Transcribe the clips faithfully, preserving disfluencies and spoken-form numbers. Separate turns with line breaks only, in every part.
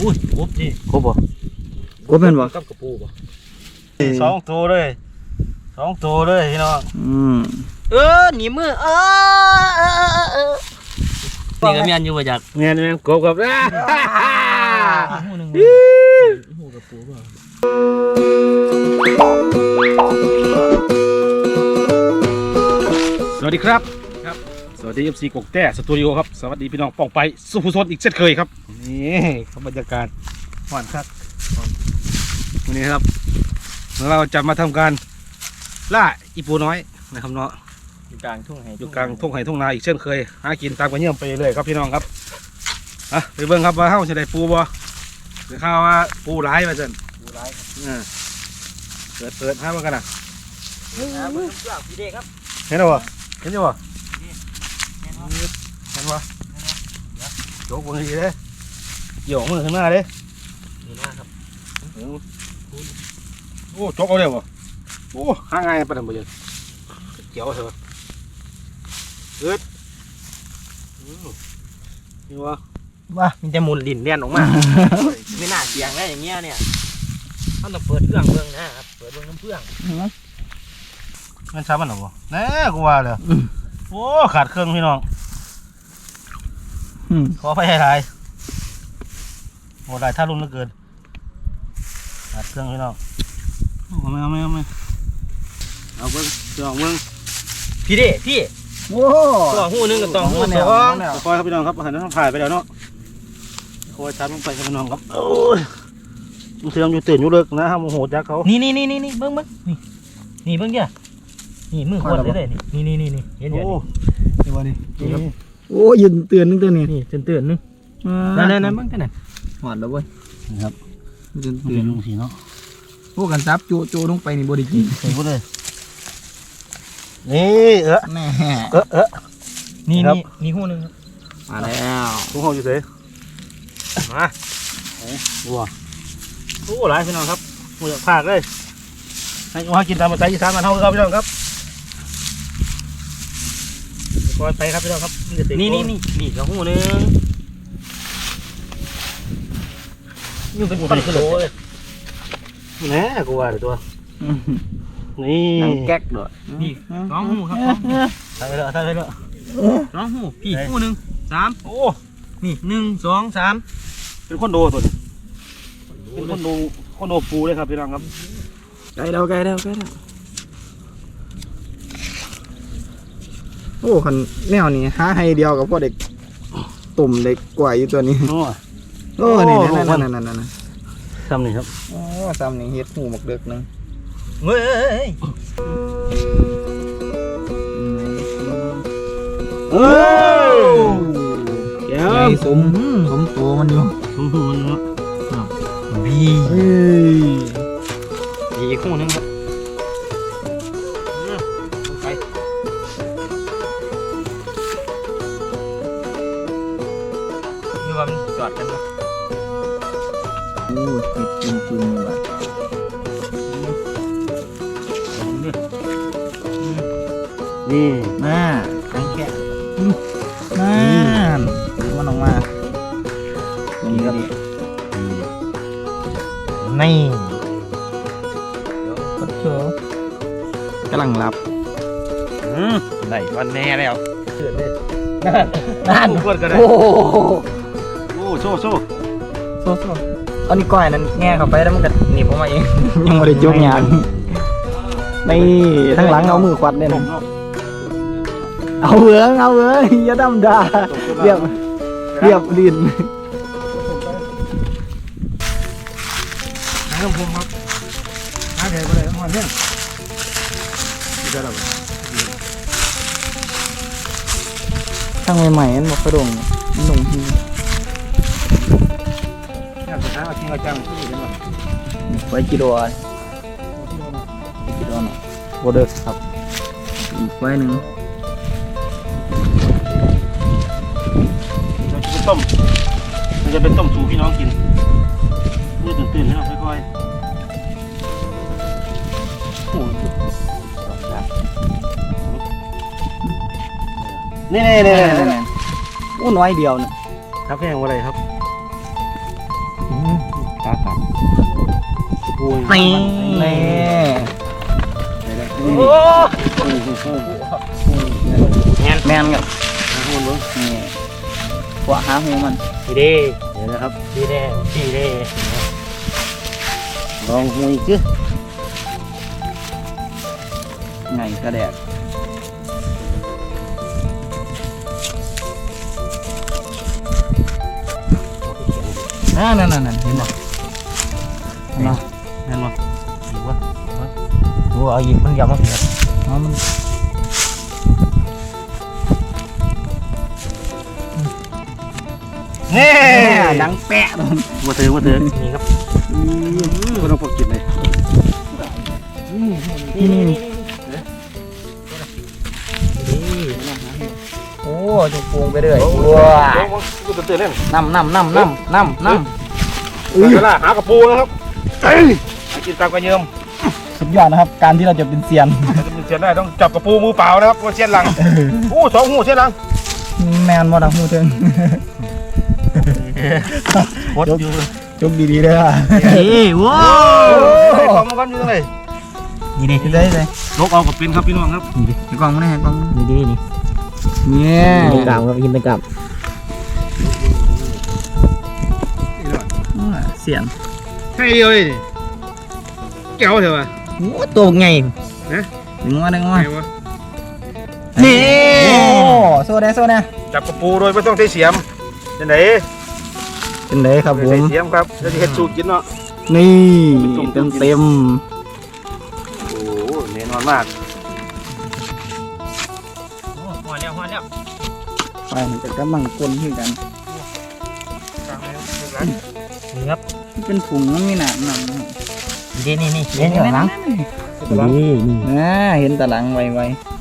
อุ้ยครบจี
ครบบ่
ครบเป็นบ่
กับกระปูบ่สองตัวเลยสองตัวเลยพี่น้อง
อืม
เออหนีมือเออเออเออนี่ก็เมียนอยู่ว่าจาก
เมียนเมียนกบกับนะหูหนึ่งหูกระปูบ่สวัสดีครับครับสวัสดีเอฟซีกกแต้สตูดิโอครับสวัสดีพี่น้องป้องไปสุภุชนอีกเช่นเคยครับนี่ครับบรรยากาศหวานครับวันนี้ครับเราจะมาทำการล่าอีปูน้อยนะครับเนาะ
อยู่กลางทุ่งไห่
อยู่กลางทุ่งไห่ทุ่งนาอีกเช่นเคยหากินตามกันเยี่ยมไปเลยครับพี่น้องครับอ่ะไปเบิ่งครับว่าเฮ้าจะได้ปูบ่หรือข้าวว่าปูร้ายมาจน
ปูร้าย
อ่าเปิดเปิดห้ามากันนะ
เห็นไหมพี่เด็กครับ
เห็นหรอเห็นยังวะเห็นวะโจกบางทีเลยหย่อมือข้างหน้าเลย
นี่นะครับ
โอ้โจกเอาเร็ววะโอ้ห่างไงประเดี๋ยวไปเลยเกี่ยวเถอะเอิดนี่วะ
ว่ามันจะหมุนลิ้นเลียนออกมาไม่น่าเสียงได้อย่างเงี้ยเนี่ยเขาต้องเปิดเครื่องเบื้องนะครับเปิดเบื้องน้ำเพื่อง
มันช้ามันหรอวะแน่กูว่าเลยโอ้ขาดเครื่องพี่น้องขอไปให้ทายโหได้ท่ารุ่นเหลือเกินขาดเครื่องพี่น้องเอาไม่เอาไม่เอาไม่เอาเบิ้งจองเบิ้ง
พี่เด็พี่
โอ้
ตัวหูนึงกับตัวหูสอง
คอยครับพี่น้องครับหันน้ำถ่ายไปแล้วเนาะคอยชัดลงไปครับพี่น้องครับโอ้ยมันเสื่อมอยู่ตื่นอยู่เลิกนะฮะโมโหจักเขา
นี่นี่นี่นี่เบิ้งเบิ้งนี่นี่เบิ้งเกี่ยนี่มือคนเลยเลยนี่นี่นี่นี่เห็นอยู่
นี่วะนี่
โอ้ยืนเตือนนึงตัวนี้
นี่เตือนนึงนั่นนั่นนั่นเบิ้งกันนั่น
หอดแล้วเว้ย
ครับ
ยืนเตือน
ลงสีเนาะ
พวกกันซับโจโจลงไปนี่บริกิน
ใส่พวกเลยนี่เออ
แม่
เออเออ
นี่นี่นี่หูนึง
มาแล้ว
หูห้องอยู่เฉยมาวัวโอ้หลายพี่น้องครับหมูอยากพากเลยให้มากินตามภาษาอีสานมาเท่าครับพี่น้องครับคอยไปครับพี่น้องครับ
นี่นี่นี่นี่กระหูนึงยุ่งเป็นปันโลเลย
แน่กูว่าเดี๋ยวตัวนี่
แก๊กด้วย
นี่สองหูครับ
ใส่ไปเลยใส่ไปเลย
สองหูพี่หูหนึ่งสามโอ้นี่หนึ่งสองสาม
เป็นคนโดตัวนี้เป็นคนโดคนโดปูเลยครับพี่น้องครับ
ไกลแล้วไกลแล้วไกลแล้วโอ้คันแนวนี้หาให้เดียวกับพวกเด็กตุ่มเด็กกว่าอยู่ตัวนี้โอ้นี่นั่นนั่นนั่นนั่น
ทำนี่ครับ
โอ้ทำนี่เฮ็ดหูหมกเด็กนึง
เฮ้ย
เออแก้ว
สมสมตัวมันอยู่
สมตัวมันเนาะ
บีบีคู่นึงครับไปนี่ว่ามันจอดกันนะ
โอ้ติดจุ่มจุ่มแบบ
นี่
น่าแข็งแข็งน่ามันออกมา
นี่ครับนี่
ก็เถอะกำลังหลับ
ไหนวันแน่แล้ว
เกิดเลย
นั่นกดกันเลย
โอ้
โอ้โซ่โซ่
โซ่โซ่อันนี้ก้อยนั้นแง่เข้าไปแล้วมันก็หนีบออกมาเองยังไม่ได้จุกยางนี่ทั้งหลังเอามือควัดเนี่ยนะเอาเบื้องเอาเบื้องอย่าดำดาเรียบเรียบดิน
น้ำพงครับน้ำแข็งไปเลยน้ำมันเนี่ย
ทั้งใหม่ๆนั่นบอกกระดงหนุ่มที
เนี่ยสุดท้ายเอาทิ้งเอาจังที่นี่ได้
ไว้กิโลอะไรกิโลหน่อยโบเดอร์ครับอีกไว้หนึ่ง
เราจะเป็นต้มมันจะเป็นต้มสูพี่น้องกินเมื่อตื่นตื่นให้เราค่อยๆโอ้นี่นี่นี่นี่
อู้น้อยเดียวนะครับ
แพงอะไรครับปู
นี่นี่
โอ้แมน
แมนกับ
หาหุ่นเบิ้ง
นี่ขวาหาหูมัน
ดีเด้
เดี๋ยวนะครับ
ดีเด้ดีเด้
ลองหูอีกสิ
ไงกระแดกอ่านั่นนั่นนั่นเห็นบ่เห็นบ่
แมนบ่ดีวะโอ้เอาหยิบมันยำมาสิครับ
อ๋อมัน
นี่
ดังแปะเลย
มาเถือมาเถือ
นี่ครับ
ก็ต้องพกกินเลย
นี่นี่นี่
นี่
โอ้จุกปรุงไปเรื่อยว้า
กูจะเตือนเล่น
น้ำน้ำน้ำน้ำน้ำน้ำ
เวลาหากระปูนะครับเอ้ยหากินตามกระเยิม
สุดยอดนะครับ การที่เราจะเป็นเซียน
จะมีเสียนได้ต้องจับกระปูมือเปล่านะครับว่าเสียนหลังโอ้สองหูเสียนหลัง
แมนมอดังหูเทิง
โคตรอยู่
จุกดีๆเลยอ่ะ
นี่ว้า
ไอ้ของมันกันอยู่ตรงไหน
นี่ดิ
ได้เลย
ลกเอากับเป็นครับพี่น้องครับ
นี่ดิ
ไอ้กล่องมันไอ้กล่อง
นี่ดินี่
เนี่ย
กินกลับครับกินกลับ
เสียน
ใช่เดียวเลยนี่แก้วเถอะวะ
โอ้ตัวไง
ดึงมาดึงมา
ไงวะ
นี่
โอ้โซ่ได้โซ่ได้
จับกระปูโดยไม่ต้องใช้เสียมจะไหน
เป็นไรครับผ
ใช้
ม
เสียมครับจะเห็ดสูตรกินเนาะ
นี่เต็มเต็ม
โอ้แน่นอนมาก
หัวแล้วหัวแล้ว
ไปมันจะกำลังกลนขึ้นกัน
นี่ครับ
เป็นผงมันมีหนามหนาม
นี่นี่นี่
เห็นตะลัง
นี่นี่
นะเห็นตะลังไวไว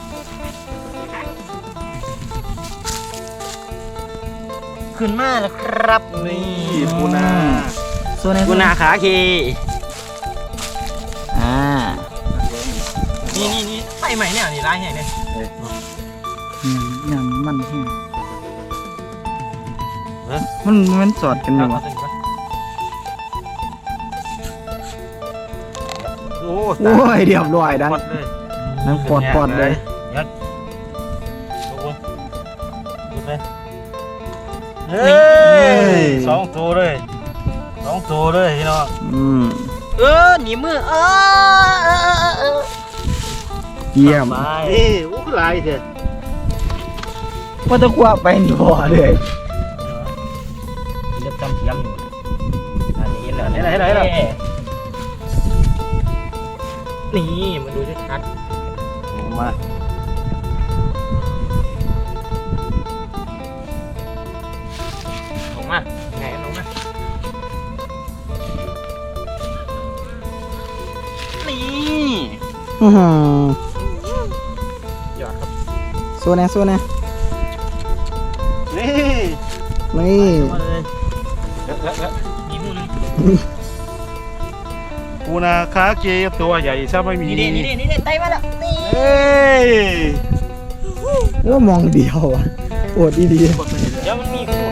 ขึ้นมาแล้วครับ
นี่ปูนา
โซ่ได้
กุนาขาเค
อ่า
นี่นี่นี่ไฟใหม่เนี่ยนี่ร้ายใหญ่เนี่ย
อืมยำมันแห้งมันมันสอดกันอยู่วะ
โอ้
โอ้ยเรียบร้อยดัง
หมดเลย
นั่งปอดปอดเลย
เฮ้ยสองตัวเลยสองตัวเลยพี่น้อง
อืม
เออหนีมือเออเออเออเออ
เยี่ยม
นี่โอ้คือลายเถอะ
ว่าจะกว่าไปบ่อเลย
เลือกจำเทียมอยู่อันนี้เหรอ
ไหนไหนไหนไหน
นี่มาดูชัด
มา
ลงมาไงลงมานี่
อื้อหือ
หยอดครับ
โซ่แน่โซ่แน่
นี่
นี่
มาเลยมีมือนึง
ปูนาคาเกตัวใหญ่ซะไม่มี
นี่นี่นี่นี่นี่ไตมาแล้วนี่
เฮ้ย
ว่ามองเดียวอ่ะโอดดี
เดี๋ยวมันมีคู่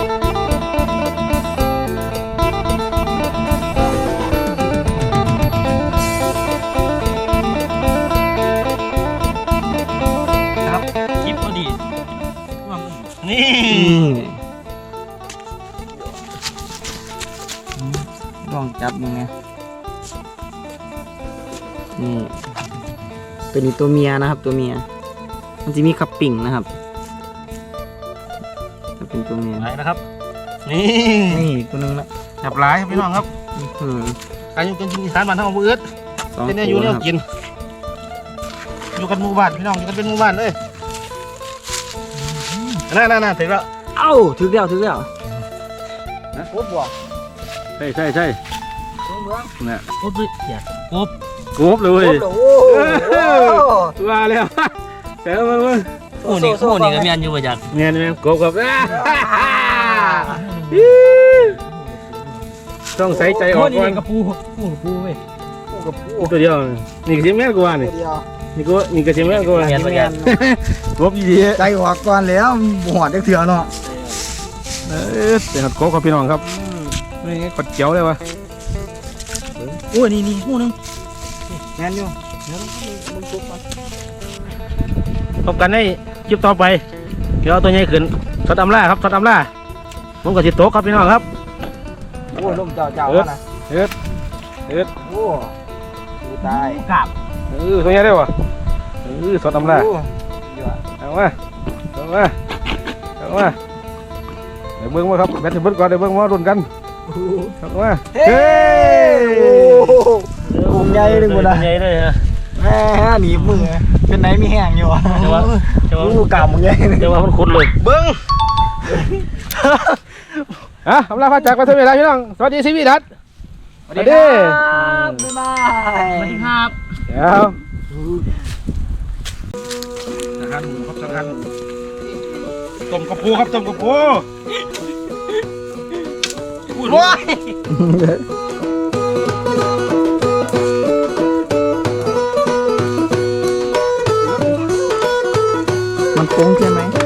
ครับคลิปพอดีนี่
ลองจับมึงไงนี่ตัวนี้ตัวเมียนะครับ ตัวเมีย มันจะมีคับปิ่งนะครับจะเป็นตัวเมีย
ไหนนะครับ นี่
นี่ตัวนึงละ
จับหลายครับพี่น้องครับ
อืม
อายุกันกินอีสานบ้านทั้งอำเภอเอื้อ
สอง
เป็นเนี่ยอ
ตั
ยู่
ว
เนี่ย
นะครับ
กิน อยู่กันหมู่บ้านพี่น้องอยู่กันเป็นหมู่บ้านเลยนั่นนั่นนั่นถึงแล้ว
เอ้าถึงแล้วถึงแล้ว
นะ
โคตรบ่
ใช่ใช่ใช่
ตัวเมือง
น่ะ
กบด้วยอย่าก
บกบเลย
โอ้โหโอ้โห
ว่าแล้วแต่มันมัน
โอ้นี่โอ้นี่ก็มีอันอยู่ประจักษ์
เงี้ยเงี้ยกบกับต้องใส่ใจออกก่อน
กระปูปูกระปูเว้ย
กับผู้
ตัวเดียวนี่ก็ชิมแม่กว่านี่
เดียว
นี่ก็นี่ก็ชิมแม่กว่า
เมียนประจักษ์
กบดี
ใจออกก่อนแล้วบวชได้เถื่อเนาะ
เออเป็นกบครับพี่น้องครับนี่กดเจียวเลยวะ
โอ้ยนี่นี่หูนึงแน่นอยู่เดี๋ยวมึงจุกมัน
พบกันในคลิปต่อไปเดี๋ยวเอาตัวใหญ่ขึ้นสดอำล่าครับสดอำล่าผมกับสิโต๊ะครับพี่น้องครับ
โอ้ยลมเจ้าเจ้านะ
เอ็ดเอ็ด
โอ้ดูตาย
กลับ
เออตัวใหญ่ได้ป่ะเออสดอำล่า
โอ้ยอด
เอามาเอามาเอามาเดี๋ยวเบิ้งมาครับแบตถึงเบิ้งก่อนเดี๋ยวเบิ้งมารุนกันเอามาเฮ้ย
กลุ่มใหญ่เลยหมด
เล
อ่ะ
ใหญ่เลยฮะ
แม่หนีบมือเป็นไหนมีแห้งอยู่อ่ะ
จะว่าจะว่า
ลูกกำมึงใหญ่
จะว่ามันขุดเลย
เบิ้งอ่ะอำลาพาจากไปเท่าไหร่พี่น้องสวัสดีชีวิตรัต
สวัสดีครับบ๊ายบาย
สวัสดีครับ
เดี๋ยวอาหารหมูครับอาหารหมูต้มกระปูครับต้มกระปู
ว้าย มันโค้งใช่ไหม